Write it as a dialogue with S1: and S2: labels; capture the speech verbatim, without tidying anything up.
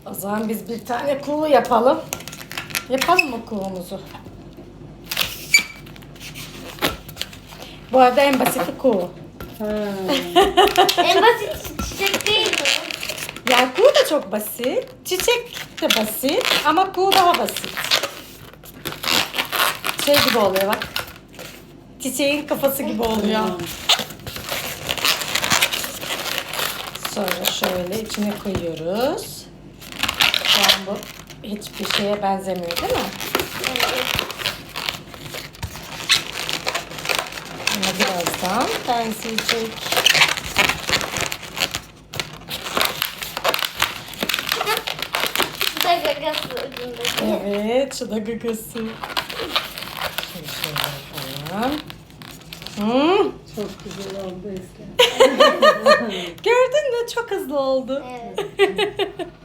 S1: O zaman biz bir tane kuğu yapalım. Yapalım mı kuğumuzu? Bu arada en basiti kuğu.
S2: En basit çiçek değil mi?
S1: Yani kuğu da çok basit. Çiçek de basit ama kuğu daha basit. Şey gibi oluyor bak. Çiçeğin kafası gibi oluyor. Sonra şöyle içine koyuyoruz. Şu an bu hiçbir şeye benzemiyor değil mi?
S2: Evet.
S1: Ama birazdan benzeyecek.
S2: Bu da gagası ucundaki.
S1: Evet, şu da gagası. Şöyle şöyle yapalım. Hmm,
S3: Çok güzel oldu Eslem.
S1: gördün mü? Çok hızlı oldu.
S2: Evet.